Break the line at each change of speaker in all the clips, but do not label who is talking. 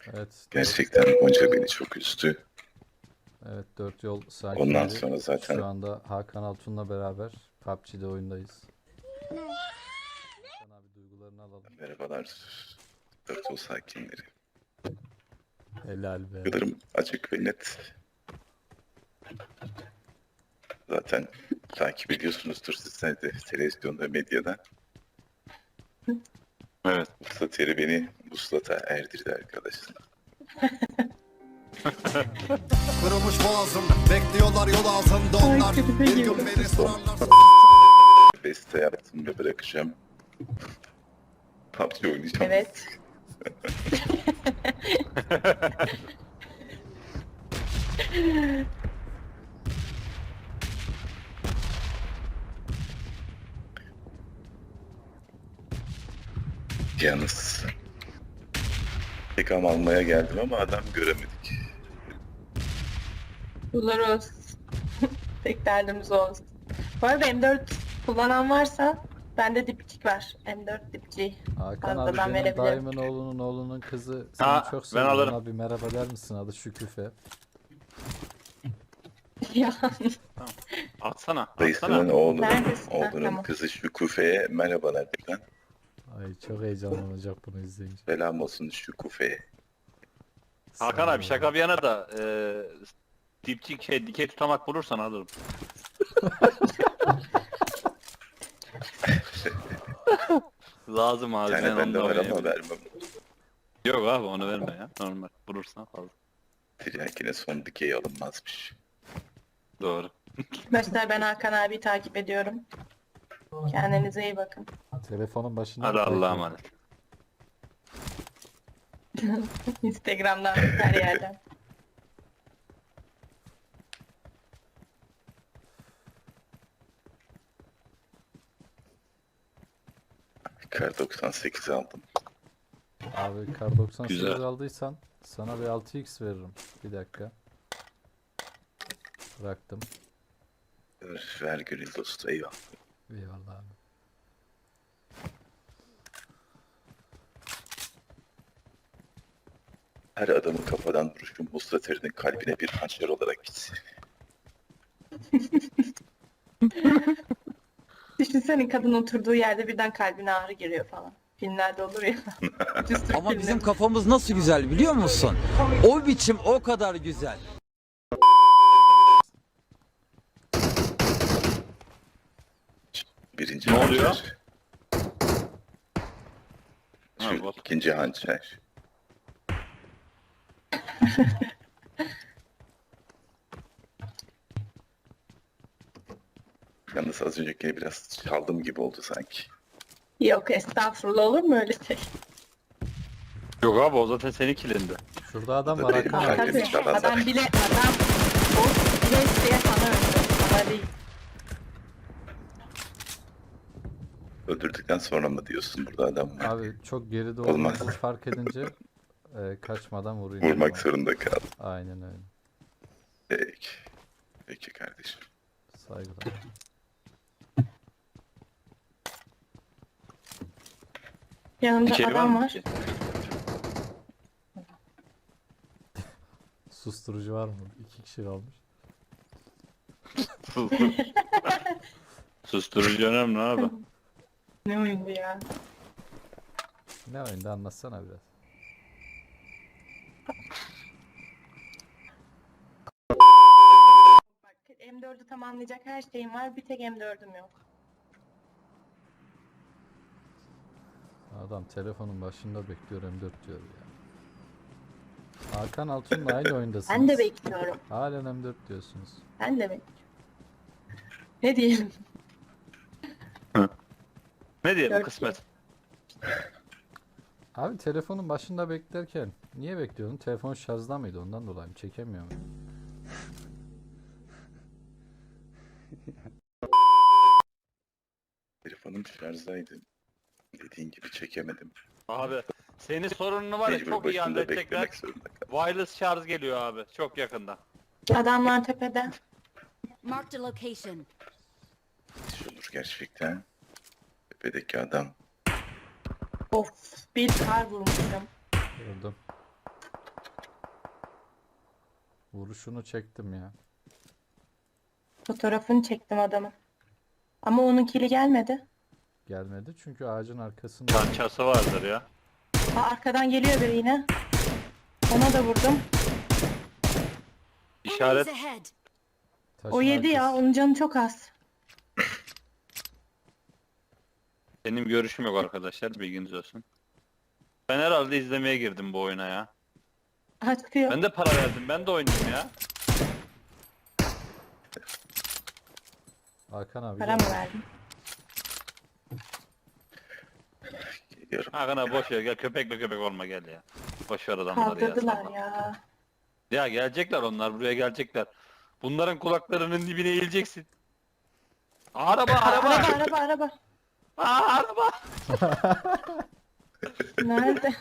Evet.
Gerçekten Gonca beni çok üzdü.
Evet, 4 yol
Ondan
sakinleri
sonra zaten
şu anda Hakan Altun'la beraber PUBG'de oyundayız. Hakan abi duygularını alalım.
merhabalar Dört yol sakinleri.
Helal be.
Duygularım açık ve net. Zaten takip ediyorsunuzdur sizler de televizyonda, medyada. Evet. Vuslat yeri beni vuslata erdirdi arkadaşlar.
Kırılmış boğazım, bekliyorlar yol altında onlar. Bir gün beni sorarlarsa
Beste yaptım ve bırakacağım. PUBG oynayacağım.
Evet.
Yalnız tekam almaya geldim ama adam göremedik.
Buluruz. Tek derdimiz olsun. Bu arada M4 kullanan varsa bende dipçik var. M4 dipçiği.
Hakan abi
Fazladan
benim
verebilirim.
dayımın oğlunun kızı seni
Ha,
çok
ben
seviyor.
alırım.
Ona bir merhaba der misin? Adı Şüküfe.
Ya
Atsana.
Dayısının
Neredesin? Ha,
oğlunun
tamam.
kızı Şükufe'ye merhabalar buradan.
Ay çok heyecanlanacak bunu izleyince.
Selam olsun Şükufe'ye.
Hakan abi şaka bir yana da dipçik dikey tutamak bulursan alırım. Lazım abi.
Bir tane
ben
bende var
anlamayayım.
ama vermem.
Yok abi onu verme ya. Normal. Bulursan fazla.
Tiryakine son dikey alınmazmış.
Doğru.
Arkadaşlar ben Hakan abi takip ediyorum. Kendinize iyi bakın.
Telefonun başında
Hadi
mı
Allah'a
bekliyor?
emanet.
Instagram'dan her yerden.
Kar 98 aldım.
Abi kar 98
Güzel.
aldıysan sana bir 6x veririm. Bir dakika. Bıraktım.
Ver gönül dostu, eyvallah.
Eyvallah abi.
Her adamın kafadan vuruşu Mustater'in kalbine bir hançer olarak gitsin.
Düşünsene kadın oturduğu yerde birden kalbine ağrı giriyor falan. Filmlerde olur ya. Ucuz Türk
Ama bizim
filmleri.
kafamız nasıl güzel biliyor musun? O biçim o kadar güzel.
Birinci
Ne oluyor?
hançer.
Ha,
Şu
bot.
ikinci hançer. Yalnız az önceki biraz çaldım gibi oldu sanki.
Yok estağfurullah, olur mu öyle şey?
Yok abi o zaten senin kilindi.
Şurada adam
Da
var
benim
Hakan abi.
kalbimi
Tabii
çalan
adam
zaten.
bile o bile isteye sana öldü. Sana değil.
Öldürdükten sonra mı diyorsun burada adam var?
Abi çok geride
Olmaz.
olduğumuzu fark edince kaçmadan vurayım.
Vurmak
dedim
zorunda kaldım.
abi. Aynen öyle.
Peki. Peki kardeşim.
Saygılar.
Yanımda
Dikey var
adam
mı?
var.
Susturucu var mı? 2 kişi kalmış.
Susturucu önemli abi.
Ne oyundu ya?
Ne oyunda anlatsana biraz.
Bak M4'ü tamamlayacak her şeyim var. Bir tek M4'üm yok.
Adam telefonun başında bekliyor M4 diyor ya. Hakan Altun'la aynı oyundasınız.
Ben de bekliyorum.
Halen M4 diyorsunuz.
Ben de bekliyorum. Ne diyelim?
Ne diyelim
Dört
kısmet.
Abi telefonun başında beklerken niye bekliyordun? Telefon şarjda mıydı? Ondan dolayı mı? Çekemiyor mu?
Telefonum şarjdaydı. Dediğin gibi çekemedim.
Abi senin sorununu var ya
Mecbur
çok iyi
başında
halledecekler.
beklemek zorunda kaldım.
Wireless şarj geliyor abi. Çok yakında.
Adamlar tepede.
Marked a location.
İş olur gerçekten. Tepedeki adam.
Of, bir kar vurmuşum.
Gördüm. Vuruşunu çektim ya.
Fotoğrafını çektim adamın. Ama onun kili gelmedi.
Gelmedi çünkü ağacın arkasında.
Çançası vardır ya.
Arkadan geliyor biri yine. Ona da vurdum.
İşaret.
Enemies ahead.
Taşın
O yedi ya.
arkası.
Onun canı çok az.
Benim görüşüm yok arkadaşlar, bilginiz olsun. Ben herhalde izlemeye girdim bu oyuna ya.
Aha çıkıyor.
Ben de para verdim, ben de oynayayım ya.
Hakan abi
Para
gel.
mı verdin?
Geliyorum.
Hakan abi boş ver, gel köpekle köpek olma, gel ya. Boş ver adamları ya.
Kaldırdılar
salla.
ya.
Ya gelecekler onlar, buraya gelecekler. Bunların kulaklarının dibine eğileceksin. Araba araba.
Araba.
Aa, araba.
Nerede?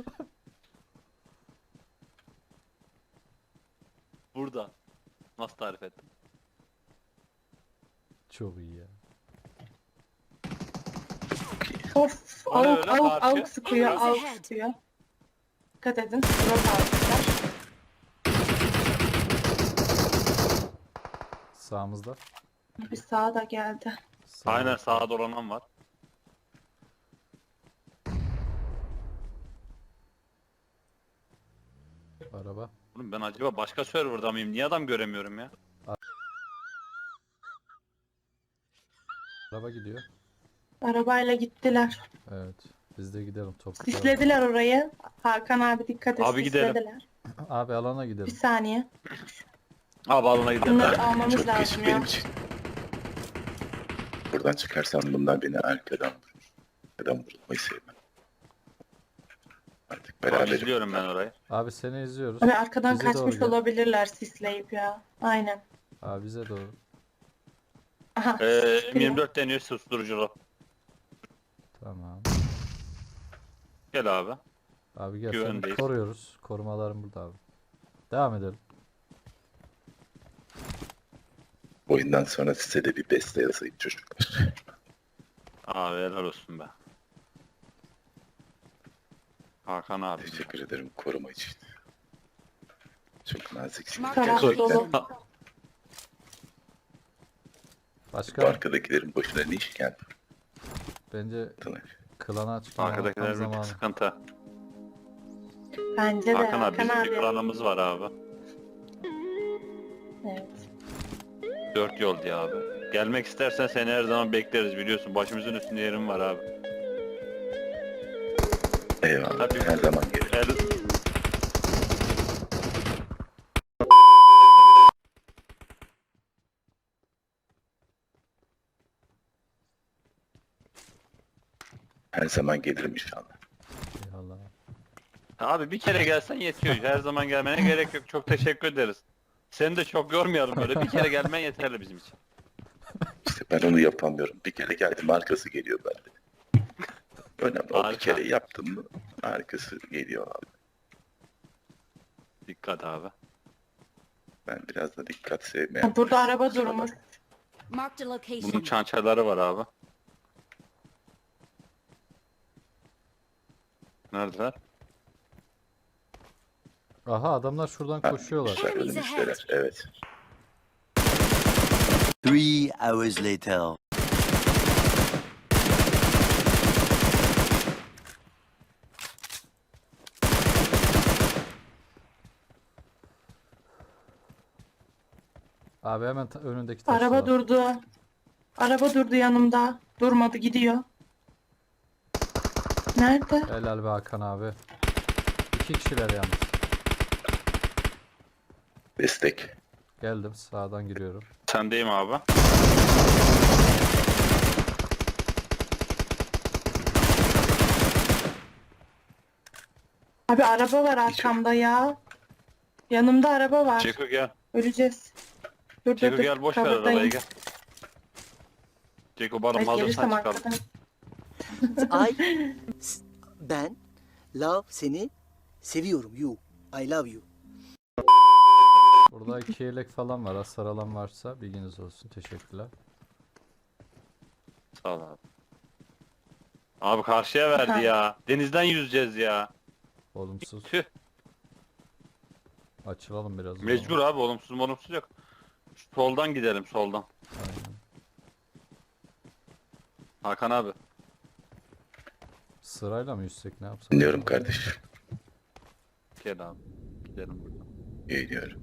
Burada. Nasıl tarif ettim?
Çok iyi ya.
Of.
O ne
Avuk
öyle
avuk
parça?
avuk sıkıyor.
Enemies
Avuk
ahead.
sıkıyor. Dikkat edin. Drop almışlar.
Sağımızda.
Bir sağa da geldi.
Sağ-
Aynen, sağa dolanan var.
Araba.
Oğlum ben acaba başka serverda mıyım? Niye adam göremiyorum ya?
Araba gidiyor.
Arabayla gittiler.
Evet. Biz de gidelim toplu.
Sislediler orayı. Hakan abi dikkat et.
Abi gidelim.
Sislediler.
Abi alana
Bir
gidelim.
saniye.
Abi alana gidelim.
Bunları almamız
Çok geç
lazım ya.
benim için. Buradan çıkarsam bunlar beni arkadan vurur. Arkadan vurulmayı sevmem. Artık
Abi
beraber.
izliyorum ben orayı.
Abi seni izliyoruz.
Abi arkadan
Bize doğru
kaçmış
gel.
olabilirler sisleyip ya. Aynen.
Abi bize doğru.
Aha. sıkıyor.
M24 deniyor susturuculu.
Tamam.
Gel abi.
Abi gel seni
Güvendeyiz.
koruyoruz. Korumalarım burada abi. Devam edelim.
Oyundan sonra size de bir beste yazayım çocuklar.
Abi helal olsun be. Hakan abi.
Teşekkür ederim koruma için. Çok naziksiniz.
Mark
Taraf
Gerçekten.
dolu.
Ha,
Bu
Başka
arkadakilerin başına ne iş geldi?
bence
Tanış.
klana açma
arkadakiler bir
zamanı.
sıkıntı.
Bence de
Hakan abi
Hakan
bizim bir
abi.
planımız var abi.
Evet.
4 yol diye abi. Gelmek istersen seni her zaman bekleriz, biliyorsun. Başımızın üstünde yerim var abi.
Eyvallah.
Tabii.
Her zaman gelirim.
El...
Her zaman gelirim inşallah.
Eyvallah.
Abi bir kere gelsen yetiyor. Her zaman gelmene gerek yok. Çok teşekkür ederiz. Seni de çok yormayalım böyle. Bir kere gelmen yeterli bizim için.
İşte ben onu yapamıyorum. Bir kere geldim arkası geliyor bende. Önemli. O bir
Harika.
kere yaptım mı arkası geliyor abi.
Dikkat abi.
Ben biraz da dikkat sevmeyen.
Ha, burada araba durmuş.
Marked a
Bunun
location.
çançaları var abi. Neredeler?
Aha adamlar şuradan koşuyorlar.
Önümüzdeler,
Enemies
önümüzdeler. Evet.
3 hours later.
Abi hemen önündeki taşlar.
Araba durdu. Araba durdu yanımda. Durmadı gidiyor. Nerede?
Helal be Hakan abi. 2 kişiler yalnız.
Destek.
Geldim sağdan giriyorum.
Sendeyim abi.
Abi araba var arkamda ya. Yanımda araba var.
Ceko gel.
Öleceğiz. Dur
Ceko
dur
gel, boş ver
Kavurdayım.
arabayı gel. Ceko bana
Ay, gelirsem
hazırsan çıkalım.
arkadan.
Ben love seni seviyorum you. I love you.
Burada 2 yelek falan var. Hasar alan varsa bilginiz olsun. Teşekkürler.
Sağ ol abi. Abi karşıya verdi
Aha.
ya. Denizden yüzeceğiz ya.
Olumsuz.
Tüh.
Açılalım biraz. o zaman.
Mecbur abi, olumsuz yok. Soldan gidelim, soldan.
Aynen.
Hakan abi.
Sırayla mı yüzsek, ne yapsak?
Dinliyorum kardeşim.
Gel abi. Gidelim buradan.
Geliyorum.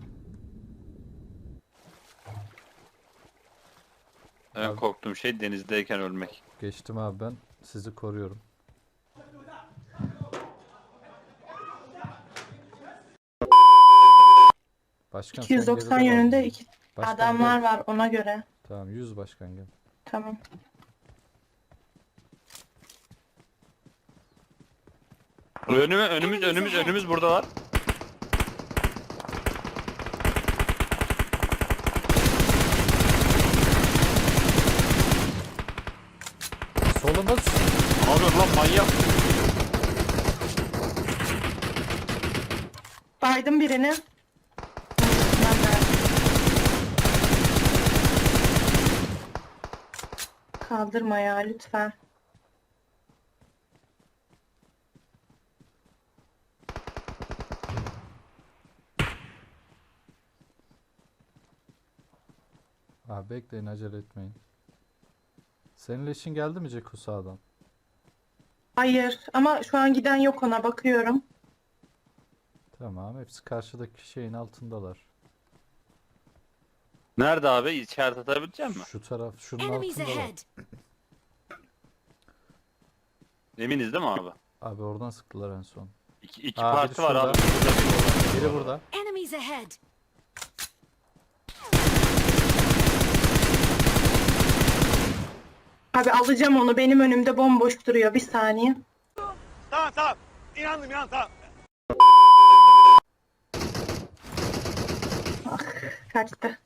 En
Abi-
korktuğum şey denizdeyken ölmek.
Geçtim abi ben. Sizi koruyorum. Başkan sen
290
geride kal.
yönünde iki
Başkan
adamlar
gel.
var ona göre.
Tamam 100 başkan gel.
Tamam.
Önümüz burada var.
Solumuz.
Abi lan manyak.
Baydım birini. Ben de. Kaldırma ya lütfen.
Abi bekleyin, acele etmeyin. Senin leşin geldi mi Ceko sağdan?
Hayır ama şu an giden yok, ona bakıyorum.
Tamam, hepsi karşıdaki şeyin altındalar.
Nerede abi? İçeride atabilecek misin?
Şu taraf, şunun
Enemies
altındalar.
ahead.
Eminiz değil mi abi?
Abi oradan sıktılar en son.
İki
Aa,
parti
biri
var abi.
şurada.
Burada biri var.
Biri burada.
Enemies ahead.
Abi alacağım onu, benim önümde bomboş duruyor, bir saniye. Ah, kaçtı.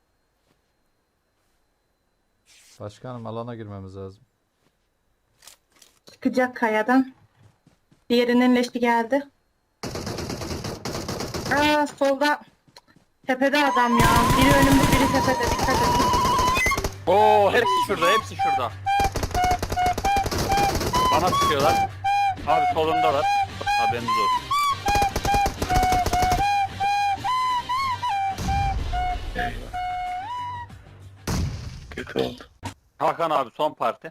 Başkanım alana girmemiz lazım.
Çıkacak kayadan. Diğerinin leşi geldi. Aa solda. Tepede adam ya. Biri önümde, biri tepede. Dikkat edin.
Oo, hepsi şurada, hepsi şurada. Bana sıkıyorlar. Abi solundalar. Haberiniz olsun.
Eyvah. Kötü oldu.
Hakan abi son parti.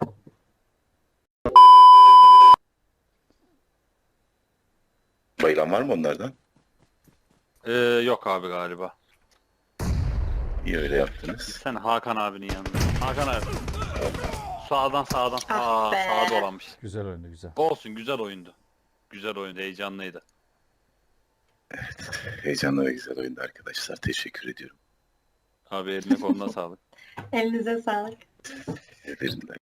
Bayılan var mı onlardan?
Yok abi galiba.
İyi öyle yaptınız.
Sen Hakan abinin yanında. Hakan abi. Sağdan.
Ah be.
Sağa dolanmış.
Güzel oyundu, güzel.
Olsun, güzel oyundu. Güzel oyundu, heyecanlıydı.
Heyecanlı ve güzel oyundu arkadaşlar. Teşekkür ediyorum.
Abi eline koluna sağlık.
Elinize sağlık.
Ederim.